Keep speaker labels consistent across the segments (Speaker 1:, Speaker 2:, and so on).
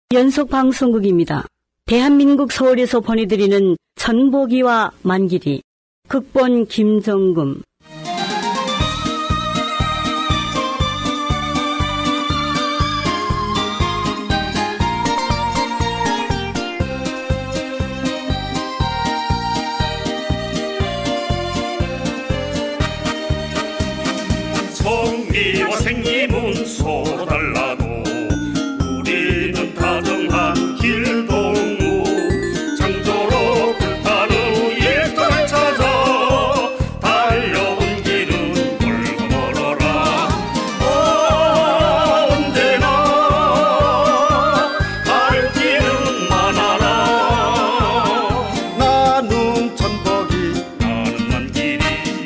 Speaker 1: 연속방송국입니다. 대한민국 서울에서 보내드리는 천복이와 만길이, 극본 김정금.
Speaker 2: 성미와 생님은 서로 달라도 우리는 다정한 길동무, 창조로 불타는 일터를 찾아 달려온 길은 멀고 멀어라. 언제나 갈 길은 많아라. 나는 천복이, 나는 만길이.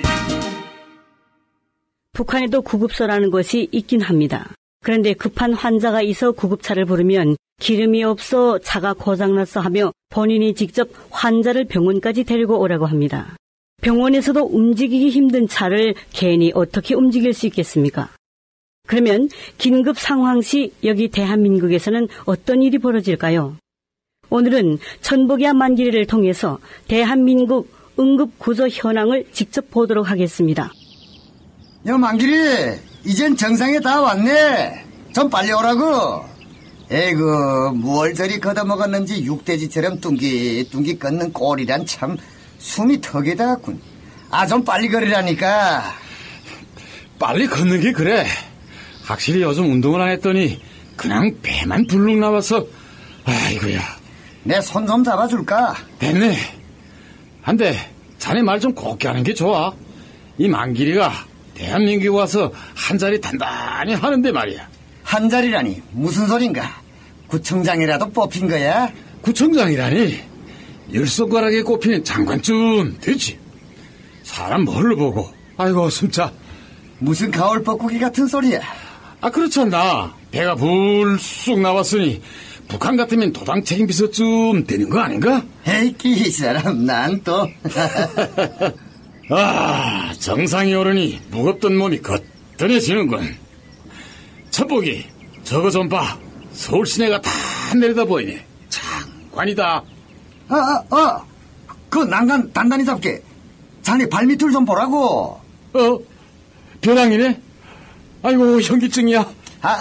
Speaker 1: 북한에도 구급소라는 것이 있긴 합니다. 그런데 급한 환자가 있어 구급차를 부르면 기름이 없어 차가 고장났어 하며 본인이 직접 환자를 병원까지 데리고 오라고 합니다. 병원에서도 움직이기 힘든 차를 괜히 어떻게 움직일 수 있겠습니까? 그러면 긴급 상황 시 여기 대한민국에서는 어떤 일이 벌어질까요? 오늘은 천복이와 만길이를 통해서 대한민국 응급구조 현황을 직접 보도록 하겠습니다.
Speaker 3: 여 만길이, 이젠 정상에 다 왔네. 좀 빨리 오라고. 에이구, 뭘 저리 걷어먹었는지 육돼지처럼 뚱기뚱기 걷는 꼴이란 참 숨이 턱에 닿았군. 아, 좀 빨리 걸으라니까.
Speaker 4: 빨리 걷는 게 그래. 확실히 요즘 운동을 안 했더니 그냥 배만 불룩 나와서. 아이고야.
Speaker 3: 내 손 좀 잡아줄까?
Speaker 4: 됐네. 한데 자네 말 좀 곱게 하는 게 좋아. 이 만길이가 대한민국에 와서 한 자리 단단히 하는데 말이야.
Speaker 3: 한 자리라니 무슨 소린가? 구청장이라도 뽑힌 거야?
Speaker 4: 구청장이라니? 열 손가락에 꼽히는 장관쯤 되지. 사람 뭘로 보고. 아이고 숨차.
Speaker 3: 무슨 가을 뻐꾸기 같은 소리야.
Speaker 4: 아 그렇잖아. 배가 불쑥 나왔으니 북한 같으면 도당 책임 비서쯤 되는 거 아닌가?
Speaker 3: 에이 이 사람 난 또.
Speaker 4: 아, 정상이 오르니 무겁던 몸이 거뜬해지는군. 천복이, 저거 좀 봐. 서울 시내가 다 내려다 보이네. 장관이다.
Speaker 3: 그 난간 단단히 잡게. 자네 발밑을 좀 보라고.
Speaker 4: 벼랑이네? 아이고, 현기증이야.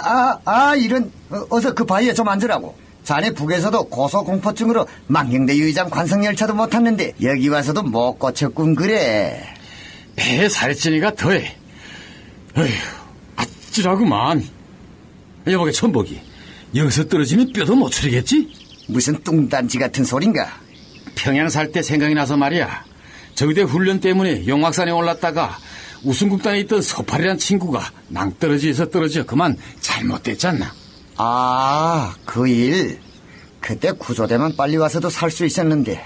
Speaker 3: 이런. 어서 그 바위에 좀 앉으라고. 자네 북에서도 고소공포증으로 망경대 유의장 관성열차도 못 탔는데 여기 와서도 못 고쳤군 그래.
Speaker 4: 배에 살이 찌니까 더해. 어휴, 아찔하구만. 여보게 천복이, 여기서 떨어지면 뼈도 못 추리겠지?
Speaker 3: 무슨 뚱딴지 같은 소린가?
Speaker 4: 평양 살 때 생각이 나서 말이야. 저기대 훈련 때문에 용악산에 올랐다가 우승국단에 있던 서팔이란 친구가 낭떠러지에서 떨어져 그만 잘못됐잖아.
Speaker 3: 그 일. 그때 구조대만 빨리 와서도 살 수 있었는데.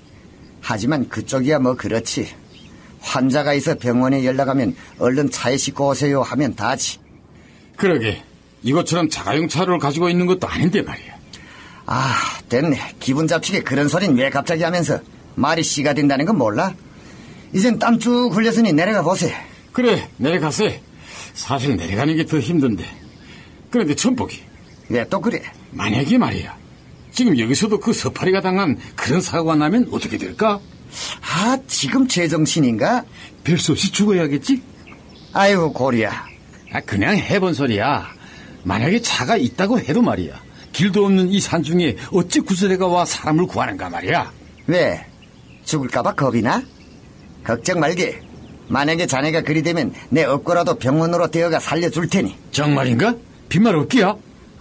Speaker 3: 하지만 그쪽이야 뭐 그렇지. 환자가 있어 병원에 연락하면 얼른 차에 싣고 오세요 하면 다지.
Speaker 4: 그러게. 이것처럼 자가용 차를 가지고 있는 것도 아닌데 말이야.
Speaker 3: 됐네. 기분 잡히게 그런 소린 왜 갑자기 하면서. 말이 씨가 된다는 건 몰라? 이젠 땀 쭉 흘렸으니 내려가 보세.
Speaker 4: 그래, 내려가세. 사실 내려가는 게 더 힘든데. 그런데 천복이,
Speaker 3: 왜 또 그래?
Speaker 4: 만약에 말이야, 지금 여기서도 그 서파리가 당한 그런 사고가 나면 어떻게 될까?
Speaker 3: 지금 제정신인가?
Speaker 4: 별 수 없이 죽어야겠지?
Speaker 3: 아이고 고리야.
Speaker 4: 그냥 해본 소리야. 만약에 차가 있다고 해도 말이야, 길도 없는 이 산중에 어찌 구조대가 와 사람을 구하는가 말이야.
Speaker 3: 왜? 죽을까봐 겁이 나? 걱정 말게. 만약에 자네가 그리 되면 내 업고라도 병원으로 데어가 살려줄 테니.
Speaker 4: 정말인가? 빈말 없기야?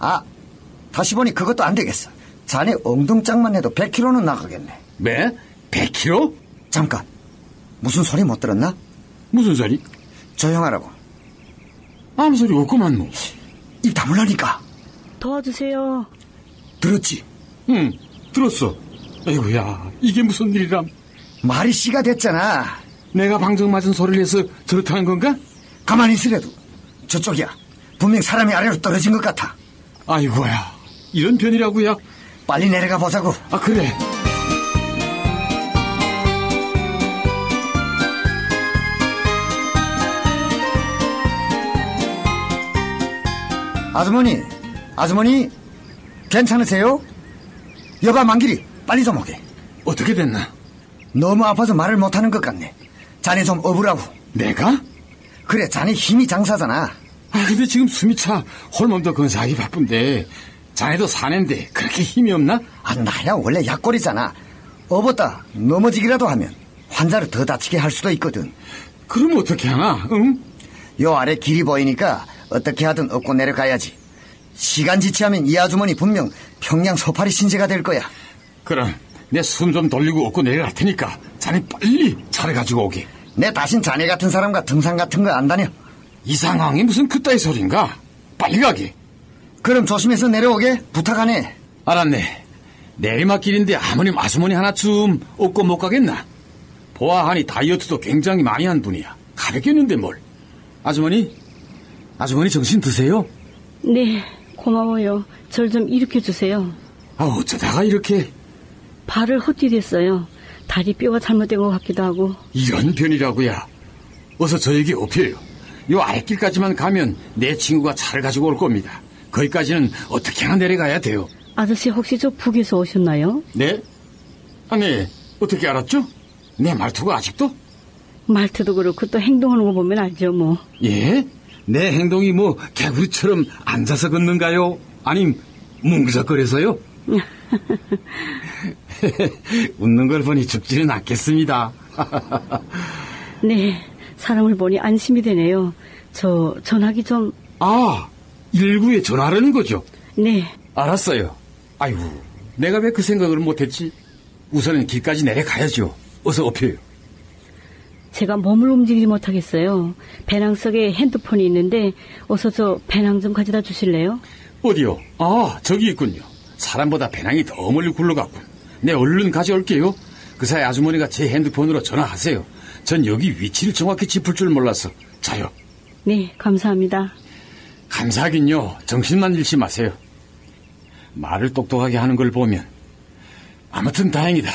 Speaker 3: 다시 보니 그것도 안 되겠어. 자네 엉덩짝만 해도 100km는 나가겠네.
Speaker 4: 네? 100km?
Speaker 3: 잠깐. 무슨 소리 못 들었나?
Speaker 4: 무슨 소리?
Speaker 3: 조용하라고.
Speaker 4: 아무 소리 없구만 뭐.
Speaker 3: 입 다물라니까.
Speaker 1: 도와주세요.
Speaker 3: 들었지?
Speaker 4: 응, 들었어. 아이고야, 이게 무슨 일이람.
Speaker 3: 말이 씨가 됐잖아.
Speaker 4: 내가 방정 맞은 소리를 해서 저렇다는 건가?
Speaker 3: 가만히 있으래도 저쪽이야. 분명 사람이 아래로 떨어진 것 같아.
Speaker 4: 아이고야, 이런 편이라고야?
Speaker 3: 빨리 내려가 보자고.
Speaker 4: 그래.
Speaker 3: 아주머니, 괜찮으세요? 여봐 만길이 빨리 좀 오게.
Speaker 4: 어떻게 됐나?
Speaker 3: 너무 아파서 말을 못하는 것 같네. 자네 좀 업으라고.
Speaker 4: 내가?
Speaker 3: 그래 자네 힘이 장사잖아.
Speaker 4: 근데 지금 숨이 차 홀몸도 건사하기 바쁜데 자네도 사내인데 그렇게 힘이 없나?
Speaker 3: 나야 원래 약골이잖아. 업었다 넘어지기라도 하면 환자를 더 다치게 할 수도 있거든.
Speaker 4: 그럼 어떻게 하나? 응?
Speaker 3: 요 아래 길이 보이니까 어떻게 하든 업고 내려가야지. 시간 지체하면 이 아주머니 분명 평양 소파리 신세가 될 거야.
Speaker 4: 그럼 내 숨 좀 돌리고 업고 내려갈 테니까 자네 빨리 차를 가지고 오게.
Speaker 3: 내 다신 자네 같은 사람과 등산 같은 거 안 다녀.
Speaker 4: 이 상황이 무슨 그따위 소린가? 빨리 가게.
Speaker 3: 그럼 조심해서 내려오게 부탁하네.
Speaker 4: 알았네. 내리막길인데 아주머니 하나쯤 업고 못 가겠나? 보아하니 다이어트도 굉장히 많이 한 분이야. 가볍겠는데 뭘. 아주머니 정신 드세요?
Speaker 1: 네, 고마워요. 절 좀 일으켜주세요.
Speaker 4: 어쩌다가 이렇게.
Speaker 1: 발을 헛디뎠어요. 다리 뼈가 잘못된 것 같기도 하고.
Speaker 4: 이런 편이라고야. 어서 저에게 업혀요. 요 아랫길까지만 가면 내 친구가 차를 가지고 올 겁니다. 거기까지는 어떻게 하나 내려가야 돼요.
Speaker 1: 아저씨 혹시 저 북에서 오셨나요?
Speaker 4: 네? 아니, 어떻게 알았죠? 내 말투가 아직도?
Speaker 1: 말투도 그렇고 또 행동하는 거 보면 알죠 뭐.
Speaker 4: 예? 내 행동이 뭐 개구리처럼 앉아서 걷는가요? 아님 뭉그적거려서요? 웃는 걸 보니 죽지는 않겠습니다.
Speaker 1: 네, 사람을 보니 안심이 되네요. 저 전화기 좀...
Speaker 4: 119에 전화하려는 거죠?
Speaker 1: 네.
Speaker 4: 알았어요. 아이고, 내가 왜 그 생각을 못했지? 우선은 길까지 내려가야죠. 어서 업혀요.
Speaker 1: 제가 몸을 움직이지 못하겠어요. 배낭 속에 핸드폰이 있는데 어서 저 배낭 좀 가져다 주실래요?
Speaker 4: 어디요? 저기 있군요. 사람보다 배낭이 더 멀리 굴러갔군. 네, 얼른 가져올게요. 그 사이 아주머니가 제 핸드폰으로 전화하세요. 전 여기 위치를 정확히 짚을 줄 몰라서. 자요.
Speaker 1: 네, 감사합니다.
Speaker 4: 감사하긴요. 정신만 잃지 마세요. 말을 똑똑하게 하는 걸 보면 아무튼 다행이다.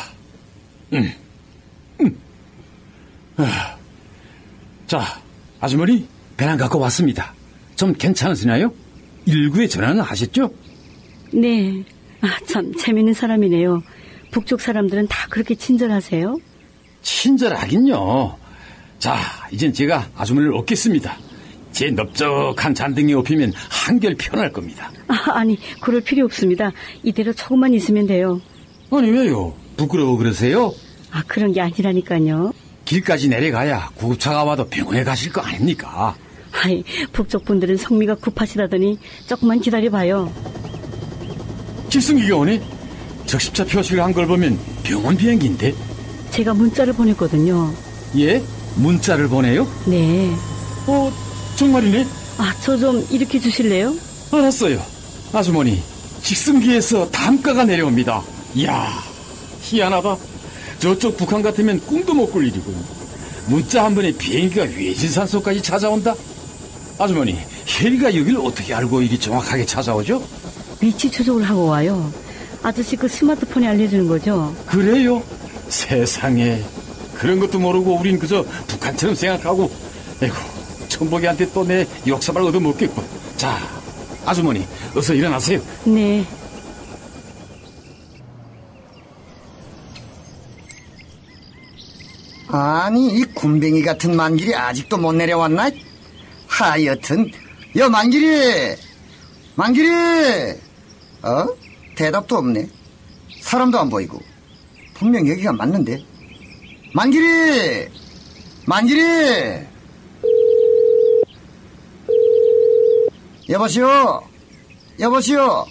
Speaker 4: 자, 아주머니 배낭 갖고 왔습니다. 좀 괜찮으시나요? 119에 전화는 하셨죠?
Speaker 1: 네. 참 재밌는 사람이네요. 북쪽 사람들은 다 그렇게 친절하세요?
Speaker 4: 친절하긴요. 자, 이젠 제가 아주머니를 업겠습니다. 제 넓적한 잔등에 업히면 한결 편할 겁니다.
Speaker 1: 아니, 그럴 필요 없습니다. 이대로 조금만 있으면 돼요.
Speaker 4: 아니, 왜요? 부끄러워 그러세요?
Speaker 1: 그런 게 아니라니까요.
Speaker 4: 길까지 내려가야 구급차가 와도 병원에 가실 거 아닙니까?
Speaker 1: 북쪽 분들은 성미가 급하시다더니 조금만 기다려봐요.
Speaker 4: 길승기가 오네? 적십자 표시를 한 걸 보면 병원 비행기인데?
Speaker 1: 제가 문자를 보냈거든요.
Speaker 4: 예? 문자를 보내요?
Speaker 1: 네.
Speaker 4: 정말이네?
Speaker 1: 저 좀 일으켜 주실래요?
Speaker 4: 알았어요. 아주머니, 직승기에서 담가가 내려옵니다. 이야, 희한하다. 저쪽 북한 같으면 꿈도 못 꿀 일이군. 문자 한 번에 비행기가 외진산소까지 찾아온다? 아주머니, 혜리가 여길 어떻게 알고 이리 정확하게 찾아오죠?
Speaker 1: 위치 추적을 하고 와요. 아저씨 그 스마트폰에 알려주는 거죠?
Speaker 4: 그래요? 세상에, 그런 것도 모르고 우린 그저 북한처럼 생각하고. 에이구, 천복이한테 또 내 역사발 얻어먹겠군. 자, 아주머니 어서 일어나세요.
Speaker 1: 네.
Speaker 3: 아니 이 군뱅이 같은 만길이 아직도 못 내려왔나? 하여튼 여 만길이 대답도 없네. 사람도 안 보이고. 분명 여기가 맞는데. 만길이 여보시오.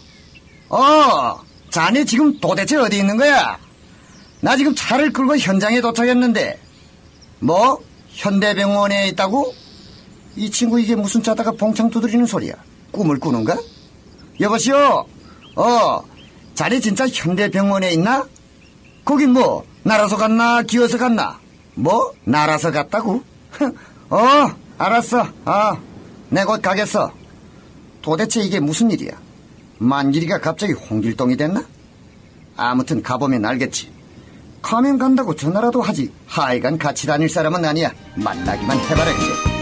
Speaker 3: 자네 지금 도대체 어디 있는 거야? 나 지금 차를 끌고 현장에 도착했는데. 뭐? 현대병원에 있다고? 이 친구 이게 무슨 짜다가 봉창 두드리는 소리야? 꿈을 꾸는가? 여보시오. 자네 진짜 현대병원에 있나? 거긴 뭐 날아서 갔나 기어서 갔나? 뭐? 날아서 갔다고? 알았어. 내 곧 가겠어. 도대체 이게 무슨 일이야? 만길이가 갑자기 홍길동이 됐나? 아무튼 가보면 알겠지. 가면 간다고 전화라도 하지. 하여간 같이 다닐 사람은 아니야. 만나기만 해봐라 이제.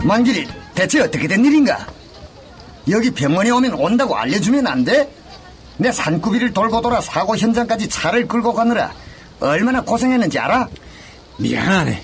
Speaker 3: 만길이 대체 어떻게 된 일인가? 여기 병원에 오면 온다고 알려주면 안 돼? 내 산구비를 돌고 돌아 사고 현장까지 차를 끌고 가느라 얼마나 고생했는지 알아?
Speaker 4: 미안하네.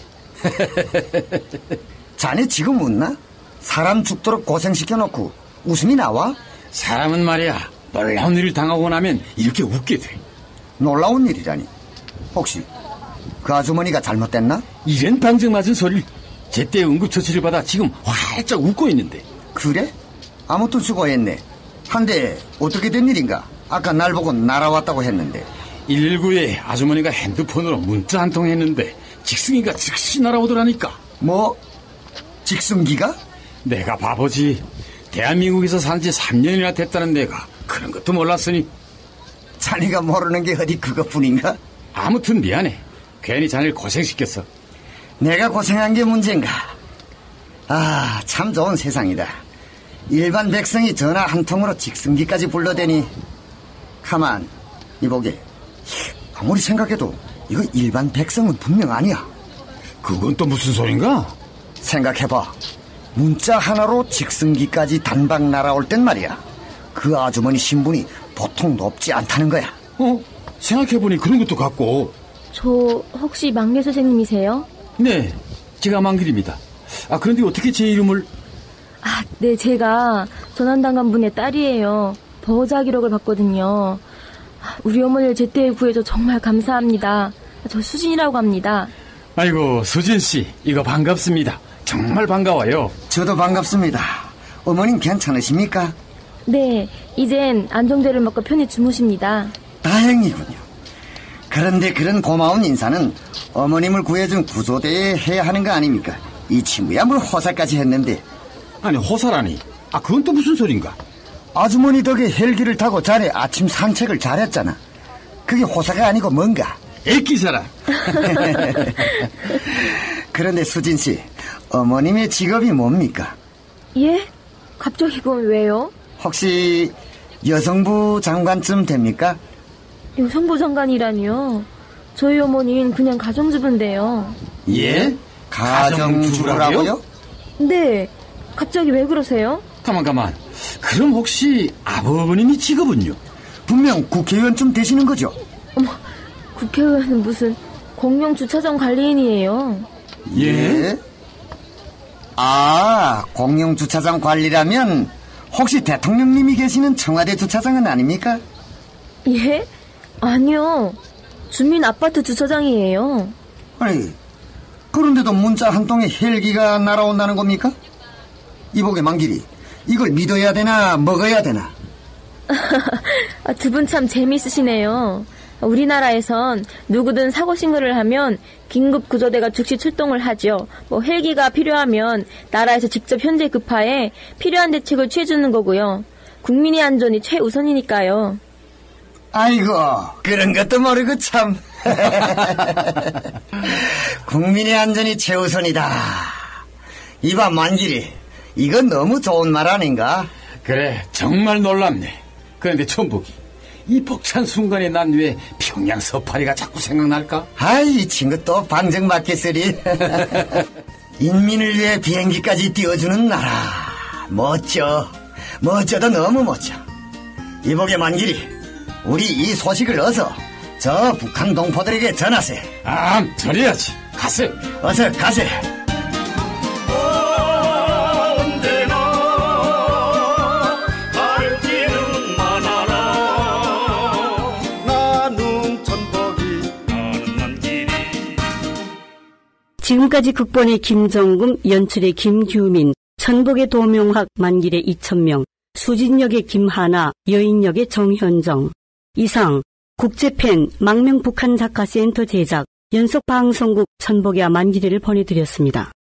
Speaker 3: 자네 지금 웃나? 사람 죽도록 고생시켜놓고 웃음이 나와?
Speaker 4: 사람은 말이야, 놀라운 일을 당하고 나면 이렇게 웃게 돼.
Speaker 3: 놀라운 일이라니. 혹시 그 아주머니가 잘못됐나?
Speaker 4: 이런 방정맞은 소리를. 제때 응급처치를 받아 지금 활짝 웃고 있는데.
Speaker 3: 그래? 아무튼 수고했네. 한데 어떻게 된 일인가? 아까 날 보고 날아왔다고 했는데.
Speaker 4: 119에 아주머니가 핸드폰으로 문자 한 통 했는데 직승이가 즉시 날아오더라니까.
Speaker 3: 뭐? 직승기가?
Speaker 4: 내가 바보지. 대한민국에서 산 지 3년이나 됐다는 내가 그런 것도 몰랐으니.
Speaker 3: 자네가 모르는 게 어디 그것뿐인가?
Speaker 4: 아무튼 미안해. 괜히 자네를 고생시켰어.
Speaker 3: 내가 고생한 게 문제인가? 아, 참 좋은 세상이다. 일반 백성이 전화 한 통으로 직승기까지 불러대니. 가만, 이보게. 아무리 생각해도 이거 일반 백성은 분명 아니야.
Speaker 4: 그건 또 무슨 소린가?
Speaker 3: 생각해봐. 문자 하나로 직승기까지 단박 날아올 땐 말이야. 그 아주머니 신분이 보통 높지 않다는 거야.
Speaker 4: 생각해보니 그런 것도 같고.
Speaker 5: 저 혹시 막내 선생님이세요?
Speaker 4: 네, 제가 만길입니다. 그런데 어떻게 제 이름을?
Speaker 5: 네, 제가 전환당한 분의 딸이에요. 보호자 기록을 봤거든요. 우리 어머니를 제때 구해줘 정말 감사합니다. 저 수진이라고 합니다.
Speaker 4: 아이고, 수진씨, 이거 반갑습니다. 정말 반가워요.
Speaker 3: 저도 반갑습니다. 어머님 괜찮으십니까?
Speaker 5: 네, 이젠 안정제를 먹고 편히 주무십니다.
Speaker 3: 다행이군요. 그런데 그런 고마운 인사는 어머님을 구해준 구조대에 해야 하는 거 아닙니까? 이 친구야 뭘 호사까지 했는데.
Speaker 4: 아니, 호사라니. 그건 또 무슨 소린가?
Speaker 3: 아주머니 덕에 헬기를 타고 자네 아침 산책을 잘했잖아. 그게 호사가 아니고 뭔가?
Speaker 4: 애기사라.
Speaker 3: 그런데 수진씨, 어머님의 직업이 뭡니까?
Speaker 5: 예? 갑자기 그건 왜요?
Speaker 3: 혹시 여성부 장관쯤 됩니까?
Speaker 5: 여성부 장관이라니요? 저희 어머니는 그냥 가정주부인데요.
Speaker 4: 예?
Speaker 3: 가정주부라고요?
Speaker 5: 네, 갑자기 왜 그러세요?
Speaker 4: 가만. 그럼 혹시 아버님이 직업은요?
Speaker 3: 분명 국회의원쯤 되시는 거죠?
Speaker 5: 어머, 국회의원은 무슨 공영 주차장 관리인이에요.
Speaker 4: 예?
Speaker 3: 공영 주차장 관리라면 혹시 대통령님이 계시는 청와대 주차장은 아닙니까?
Speaker 5: 예? 아니요. 주민 아파트 주차장이에요.
Speaker 3: 아니, 그런데도 문자 한 통에 헬기가 날아온다는 겁니까? 이보게 만길이, 이걸 믿어야 되나 먹어야 되나?
Speaker 5: 두 분 참 재미있으시네요. 우리나라에선 누구든 사고 신고를 하면 긴급 구조대가 즉시 출동을 하죠. 헬기가 필요하면 나라에서 직접 현재 급파해 필요한 대책을 취해주는 거고요. 국민의 안전이 최우선이니까요.
Speaker 3: 아이고, 그런 것도 모르고 참. 국민의 안전이 최우선이다. 이봐 만길이, 이건 너무 좋은 말 아닌가?
Speaker 4: 그래, 정말 놀랍네. 그런데 천복이, 이 벅찬 순간에 난 왜 평양 서파리가 자꾸 생각날까?
Speaker 3: 이 친구 또 방정 맞겠으리. 인민을 위해 비행기까지 띄워주는 나라. 멋져도 너무 멋져. 이보게 만길이, 우리 이 소식을 어서 저 북한 동포들에게 전하세.
Speaker 4: 전해야지. 가세.
Speaker 3: 어서 가세.
Speaker 1: 지금까지 극본의 김정금, 연출의 김규민, 천복의 도명학, 만길의 이천명, 수진역의 김하나, 여인역의 정현정. 이상 국제팬 망명북한작가센터 제작 연속방송국 천복의 만길이를 보내드렸습니다.